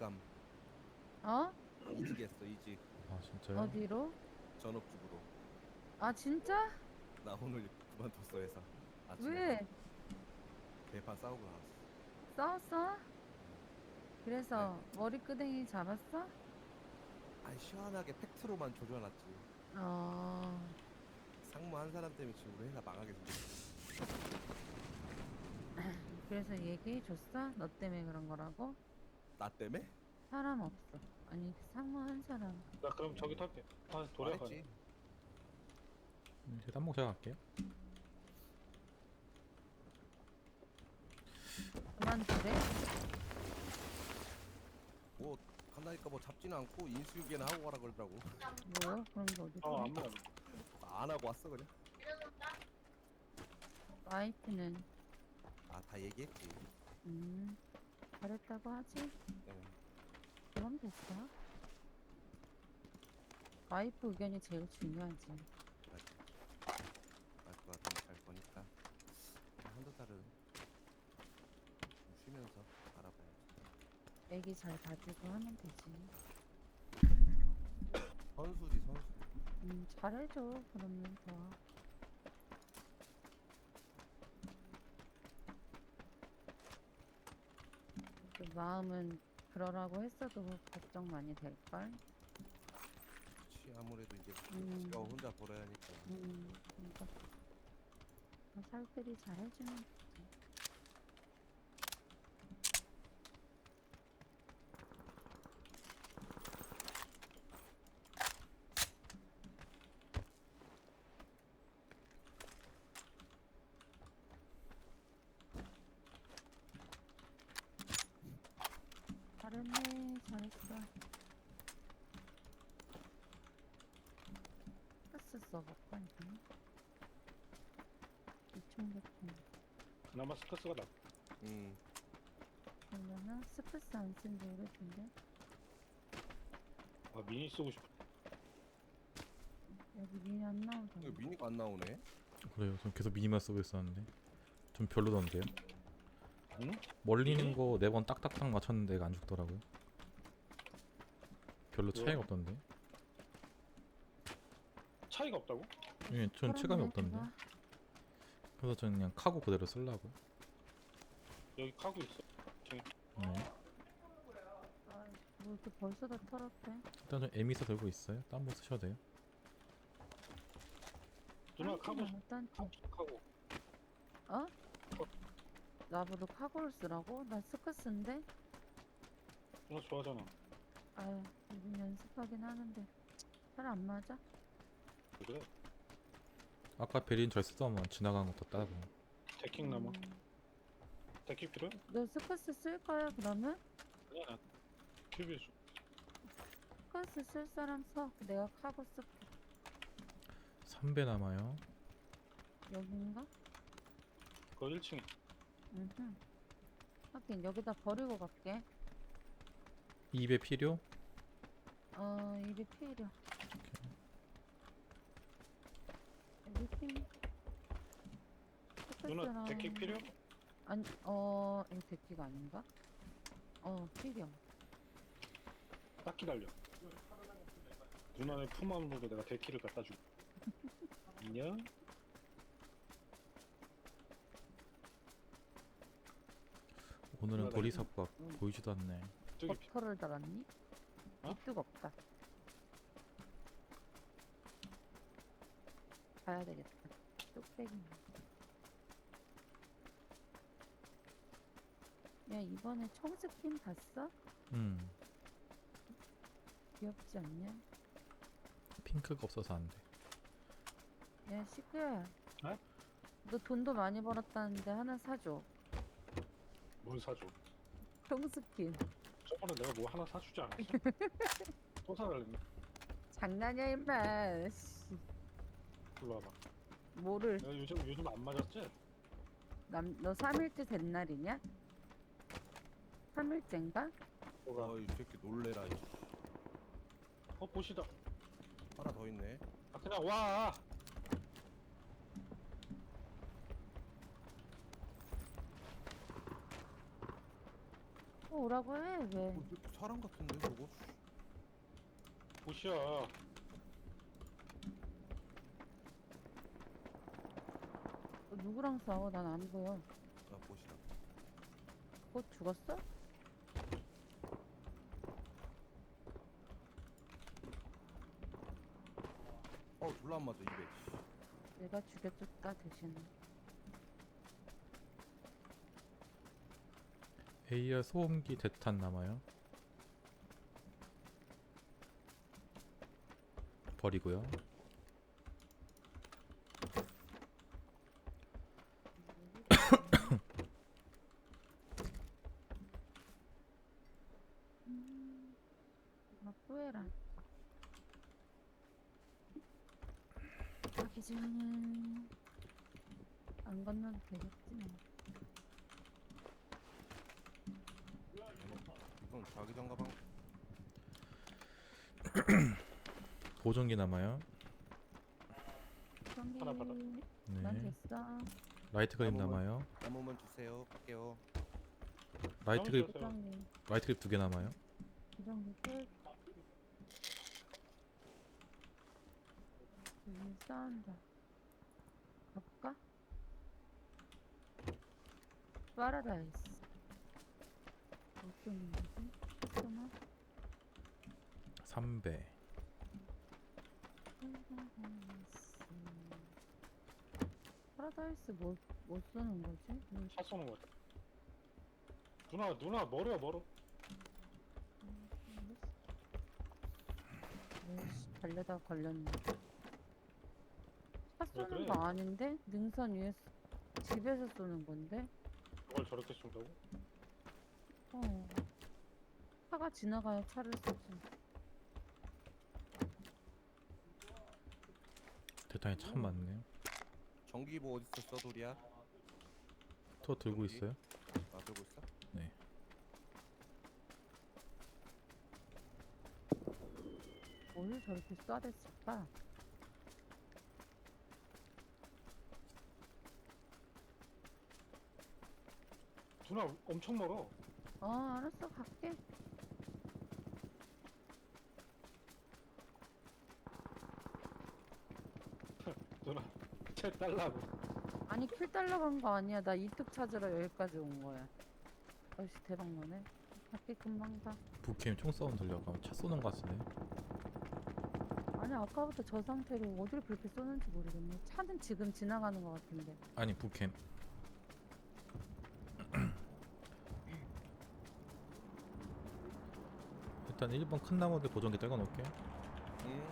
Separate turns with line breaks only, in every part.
이직감.
어?
이직했어 이직.
아 진짜요?
어디로?
전업주부로.
아 진짜?
나 오늘 그만뒀어 회사. 아침에
왜?
바로 대판 싸우고 나왔어.
싸웠어?
아니,
그래서 머리끄댕이 잡았어?
아니 시원하게 팩트로만 조져놨지.
어...
상무 한 사람 때문에 지금 우리 회사 망하게 생겼어.
그래서 얘기해줬어? 너 때문에 그런 거라고?
나 때문에?
사람 없어. 아니 상무 한 사람.
나 그럼 저기 탈게. 아 도래가.
말했지.
제 딴목 제가 갈게요.
그만두래?
뭐 간다니까 뭐 잡지는 않고 인수위계나 하고 가라 그러더라고.
뭐야? 그런 게 어디
어
있어?
안무.
안 하고 왔어 그냥.
와이프는
아 다 얘기했지.
잘했다고 하지?
응.
그럼 됐어. 와이프 의견이 제일 중요하지.
맞아. 와이프가 돈 잘 버니까 한두 달은 좀 쉬면서 알아봐야지.
애기 잘 봐주고 하면 되지.
선수지 선수.
잘해줘. 그러면 더. 그 마음은 그러라고 했어도 걱정 많이 될걸?
그치 아무래도 이제
음.
지가 혼자 벌어야 하니까.
그러니까 살들이 잘 해주면 되지. 잘했네, 잘했어. 가스 써볼까, 이번에? 2,000개통.
그나마 스커스가 나.
그러면은 스프스 안 쓴 지 오래된데?
아 미니 쓰고 싶어.
여기 미니 안 나오잖아.
이거 미니가 안 나오네.
그래요. 전 계속 미니만 쓰고 있었는데 좀 별로던데요.
응?
멀리는 거 4번 딱딱딱 맞췄는데 애가 안 죽더라고요. 별로 차이가
왜요?
없던데.
차이가 없다고?
예, 전 체감이 없던데.
내가.
그래서 저는 그냥 카고 그대로 쓰려고요.
여기 카고 있어.
네.
아, 뭐 이렇게 벌써 다 털었대?
일단 저 에미사 들고 있어요. 딴 거 쓰셔도 돼요.
누나 카고
딴티.
카고.
어? 나보고 카고를 쓰라고? 나 스커스인데?
누나 좋아하잖아.
아유, 요즘 연습하긴 하는데 잘 안 맞아?
그래?
아까 베린 절 쓰더만 지나간 것도 따고.
데킹 남아. 데킹 필요해?
너 스커스 쓸 거야 그러면?
아니야 나 큐비에 줘.
스커스 쓸 사람 서. 내가 카고 쓸게.
3배 남아요.
여긴가?
그거 1층에.
하긴 여기다 버리고 갈게.
2배 필요?
이게 필요. 여기 필요.
누나 데킹 필요?
아니, 이거 데키가 아닌가? 필요.
딱 기다려. 누나의 품함으로 내가 데키를 갖다 줄게. 안녕?
오늘은
누나가
보리삽과
응.
보이지도 않네.
저기
버터를 달았니?
어?
뜨겁다. 가야 되겠다. 뚝배기. 야, 이번에 청스킨 봤어? 귀엽지 않냐?
핑크가 없어서 안 돼.
야, 시크야.
어?
너 돈도 많이 벌었다는데 하나 사줘.
뭘 사줘?
청스킨.
저번에 내가 뭐 하나 사주지 않았어? 또 사달랬네.
장난이야, 임마. 씨,
일로 와봐.
뭐를.
내가 요즘 안 맞았지?
너 3일째 된 날이냐? 3일째인가?
뭐가?
어이 새끼 놀래라. 이씨.
보시다.
하나 더 있네.
아 그냥 와.
오라고 해 왜?
사람 같은데 저거?
보시야.
누구랑 싸워? 난 안 보여.
아 보시다.
곧 죽었어?
졸라 안 맞아 200.
내가 죽여줬다 대신.
AR 소음기 대탄 남아요. 버리고요.
후회라. 가기 전에 안 건너도 되겠지 뭐.
이건 자기장 가방.
보정기 남아요.
경기
하나 받아.
난
네.
됐어.
라이트 그립
남으면-
남아요.
남으면 주세요. 갈게요.
라이트 그립
남으세요.
부장님,
라이트 그립 2개 남아요.
부장님 끝. 여기 싸운다. 가볼까? 파라다이스. 어떤 거지? 잠깐만.
3배.
파라다이스 뭐 쓰는 거지?
차 쏘는 거 같아. 누나 멀어.
달려다 걸렸네. 차
왜
쏘는
그래?
거 아닌데? 능선 위에 집에서 쏘는 건데?
그걸 저렇게 쏜다고?
어. 차가 지나가야 차를 쏘지.
대탄이 참 많네요.
전기보 어디 있어 도리야?
저 들고
여기?
있어요.
아 들고 있어?
네.
뭘 저렇게 쏴댔을까?
누나 엄청 멀어.
알았어, 갈게.
누나 쟤 달라고.
아니, 킬 달러 간 거 아니야. 나 이뚝 찾으러 여기까지 온 거야. 아이씨, 대박 나네. 갈게, 금방 가.
북캠 총싸움 들려가 차 쏘는 것 같은데.
아니, 아까부터 저 상태로 어디를 그렇게 쏘는지 모르겠네. 차는 지금 지나가는 거 같은데.
아니 북캠. 일단 1번 큰 나무들 보정기 떼고 놓을게요.
응.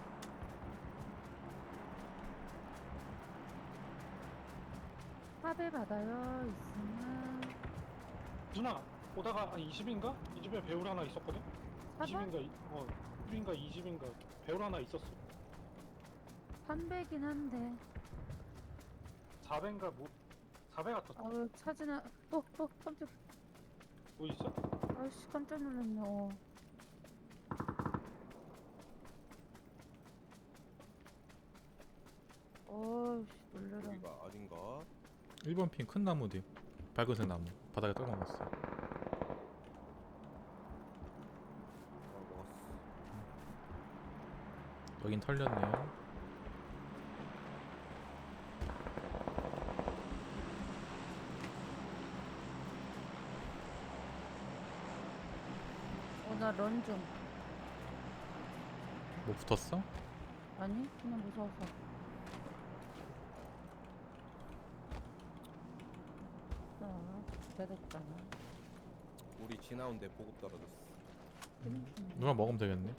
화배 받아요, 있으면.
누나 오다가 20인가? 이 집에 배울 하나 있었거든?
사봐?
20인가 1인가 2집인가 배울 하나 있었어.
300이긴 한데.
4배인가 뭐 4배 같았어.
아유, 차 지나. 깜짝.
뭐 있어?
아이씨, 깜짝 놀랐네. 어이씨, 놀래라.
여기가 아닌가?
1번 핀 큰 나무 뒤. 밝은색 나무. 바닥에 떨궈 놨어.
먹었어.
여긴 털렸네요.
나 런 좀.
뭐 붙었어?
아니, 그냥 무서워서. 기다렸잖아.
우리 지나온데 보급 떨어졌어.
누나 먹으면 되겠네.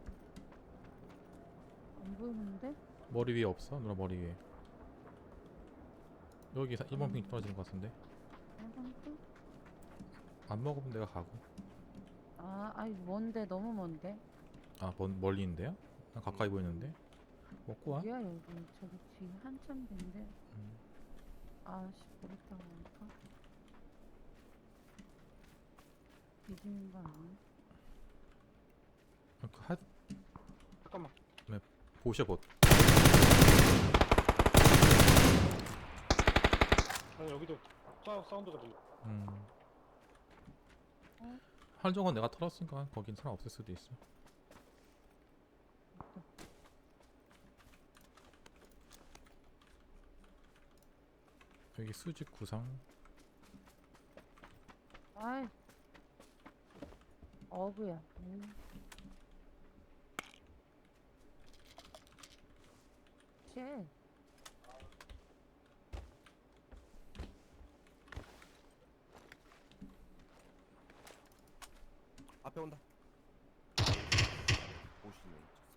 안 보이는데?
머리 위에 없어? 누나 머리 위에. 여기 1번 핑 떨어지는 것 같은데.
아무튼?
안 먹으면 내가 가고.
아이, 먼데, 너무 먼데?
아, 멀리 있는데요? 난 가까이 보이는데. 먹고 와.
어디야, 여기. 저기 뒤 한참 된데.
음.
아씨, 모르겠다고 하니까. 뒤지는 거 아니야?
잠깐만.
보셔봇.
아니 여기도 사운드가 들려.
음.
어?
활정은 내가 털었으니까 거긴 사람 없을 수도 있어. 여기 수직 구상.
아이. 어부야. 쉣.
앞에 온다. 오시네.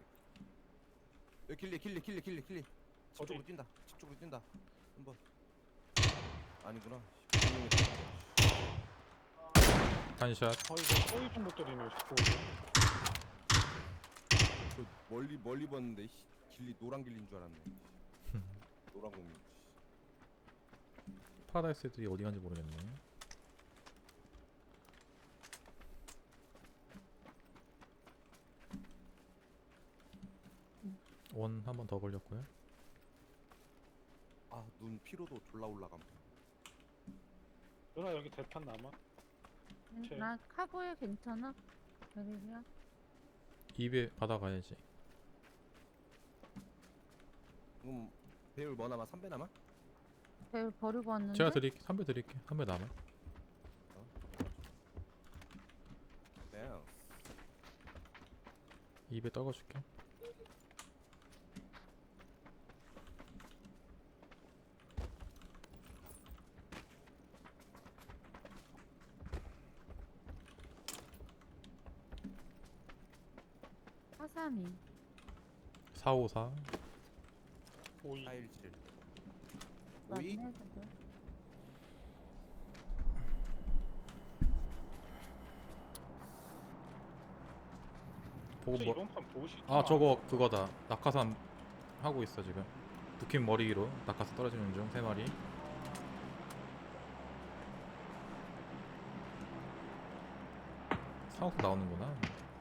여기 길리. 집 쪽으로
어디?
뛴다. 집 쪽으로 뛴다. 한번. 아니구나.
단샷.
이거 꼬이 정도 때리네 자꾸.
저 멀리 봤는데 길리 노란 길리인 줄 알았네. 노란 공룡.
파라다이스 애들이 어디 간지 모르겠네. 원 한 번 더 걸렸고요.
눈 피로도 졸라 올라감.
누나 여기 대탄 남아? 제-
나 카고에 괜찮아? 베릴이야?
입에 받아가야지.
그럼 배율 뭐 남아? 3배 남아?
배를 버리고 왔는데?
제가 드릴게. 3배 드릴게. 3배 남아.
네.
입에 떨궈줄게.
화삼이.
454.
오이.
417. 오이?
맞네, 그거.
보고
혹시
뭐?
이번 판 보시?
아 저거 그거다. 낙하산 하고 있어 지금. 두킴 머리 위로 낙하산 떨어지는 중 3마리. 사옥 나오는구나.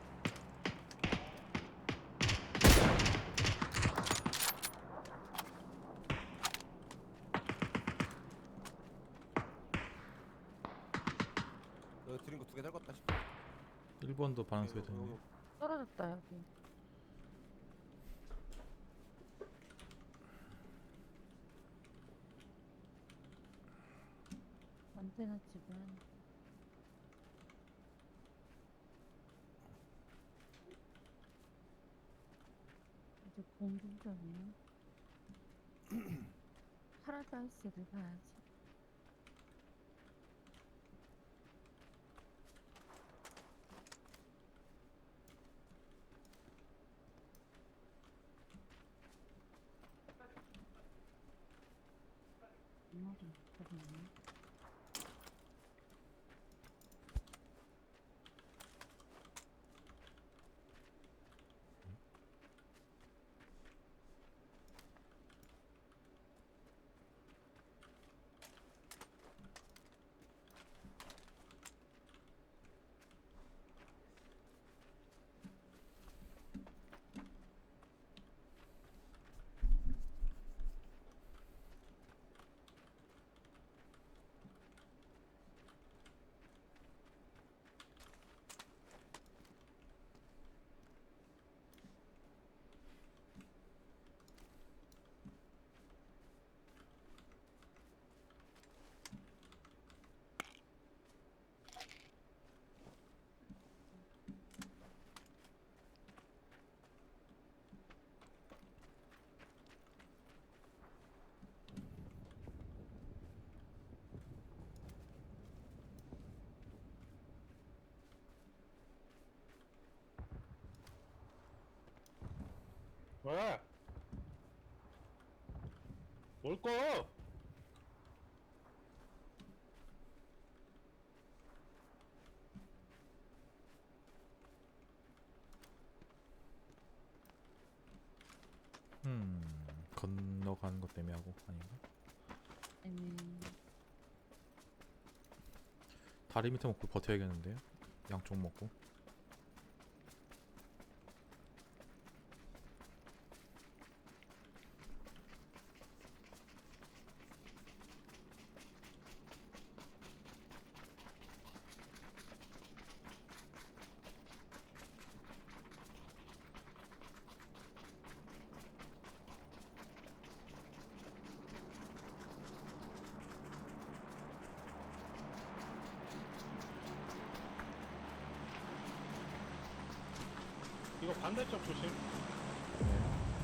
너 드린 거 2개 달궜다 싶어.
1번도 반응 소리 듣네.
떨어졌다, 여기. 안테나 집은. 이제 공중전이야. 파라다이스를 가야지. 머리 못하겠네.
왜? 뭘 꺼?
건너가는 것 때문에 하고 아닌가? 다리 밑에 먹고 버텨야겠는데요? 양쪽 먹고.
이거 반대쪽 조심.
네.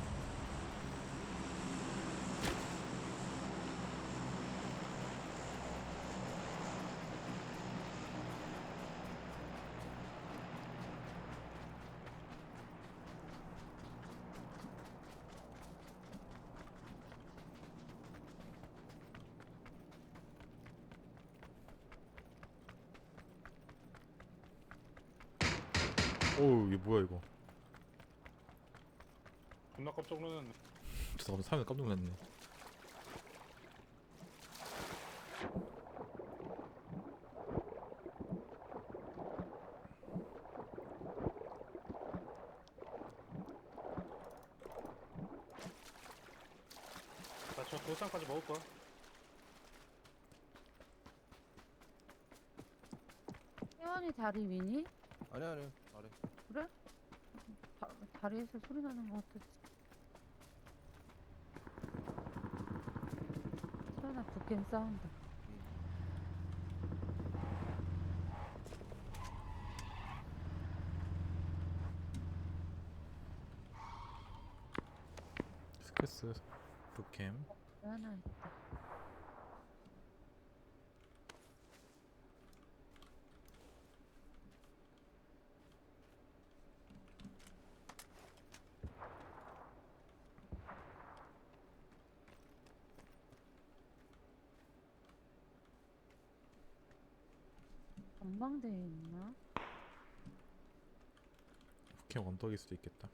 오우 이게 뭐야 이거.
존나 깜짝 놀랐네.
잠깐만 사람이 깜짝 놀랐네.
나저 돌산까지 먹을 거야.
혜원이 다리 위니?
아니야 아니야 아래.
그래? 다리에서 소리 나는 것 같았지. 태연아 북캠 싸운다.
스크스 북캠.
하나 있다. 전망대에 있나?
북캠 언덕일 수도 있겠다.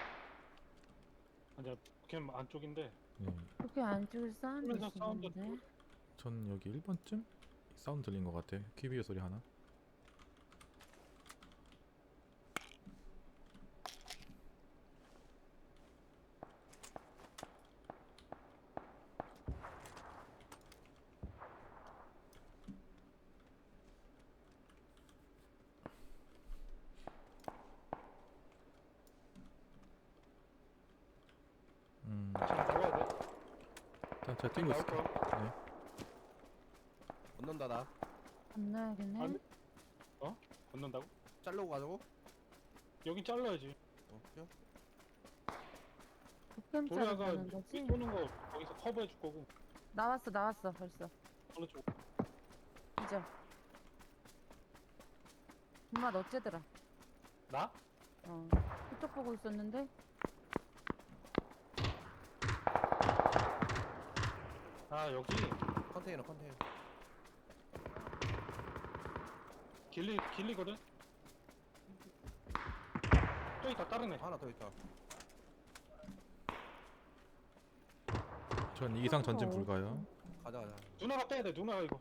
아니야 캠 안쪽인데.
네.
그렇게 안쪽에 사운드
그러면서 사운드
있었는데.
전 여기 1번쯤 사운드 들린 것 같아. 퀴비의 소리 하나.
지금 나와야 돼.
일단 제가 뛰고
나올
있을게.
거야.
네.
건넌다 나.
건너야겠네.
아니. 건넌다고?
자르고 가자고?
여긴 잘라야지.
뛰어.
북캠
도리아가
자르는 거지?
삐 도는 거 거기서 커버해 줄 거고.
나왔어 벌써.
어느 쪽?
이제. 엄마 너 째더라.
나?
그쪽 보고 있었는데.
아 여기
컨테이너.
길리거든. 또 있다 다른 애.
하나 더 있다.
전 이상 전진 불가요.
가자.
누나가 빼야 돼. 누나가 이거.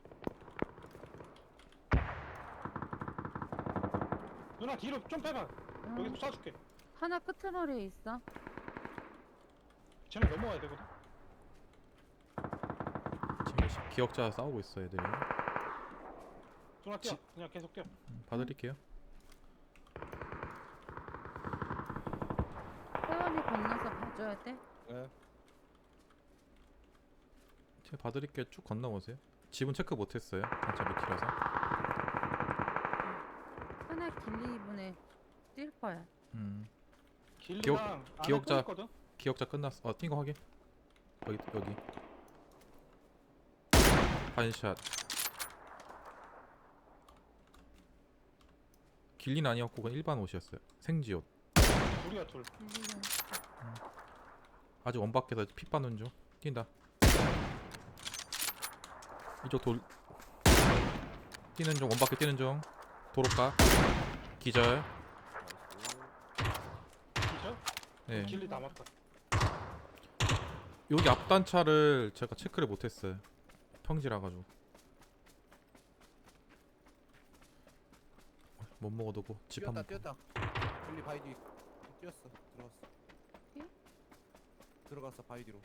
누나 뒤로 좀 빼봐.
응.
여기서 쏴줄게.
하나 끄트머리에 있어.
쟤네 넘어와야 되거든.
지금 기억자 싸우고 있어 애들이.
누나 뛰어. 그냥 계속 뛰어.
봐드릴게요.
혜원이 건너서 봐줘야 돼.
네.
제가 봐드릴게요. 쭉 건너오세요. 집은 체크 못했어요. 단차 밑이라서.
하나 길리분에 뛸 거야.
길리랑 안에
기억자-
또 있거든.
기억자 끝났어. 뛴 거 확인. 여기. 반샷. 길린 아니었고 그냥 일반 옷이었어요. 생지옷.
우리가 둘.
길리가
아직 원 밖에서 피 빠는 중. 뛴다. 이쪽 돌 뛰는 중. 원 밖에 뛰는 중. 도로가 기절.
진짜?
네.
길리 남았다.
여기 앞단차를 제가 체크를 못했어요. 평지라 가지고. 못 먹어두고 집 한번.
뛰었다. 길리 바위 뒤 뛰었어. 들어갔어.
예?
들어갔어 바위 뒤로.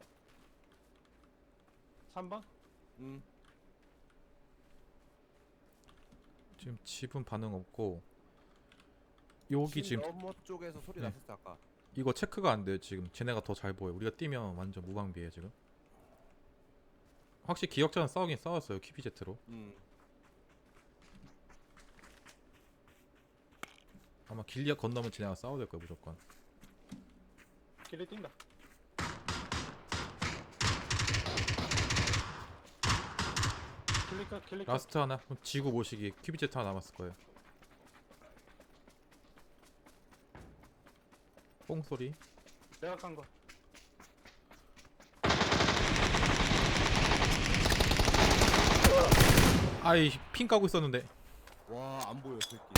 3번?
지금 집은 반응 없고 여기 지금
너머 쪽에서 소리
네.
났었어 아까.
이거 체크가 안 돼요. 지금 쟤네가 더 잘 보여. 우리가 뛰면 완전 무방비해 지금. 확실히 기억자는 싸우긴 싸웠어요. 퀴비제트로. 아마 아마 길리아 건너면 쟤네가 싸워야 될 거야 무조건.
길리 뛴다. 길리
라스트 하나. 그럼 지구 모시기 큐비제트 하나 남았을 거예요. 뽕 소리.
내가 깐 거.
아이 핑 까고 있었는데.
와 안 보여 새끼.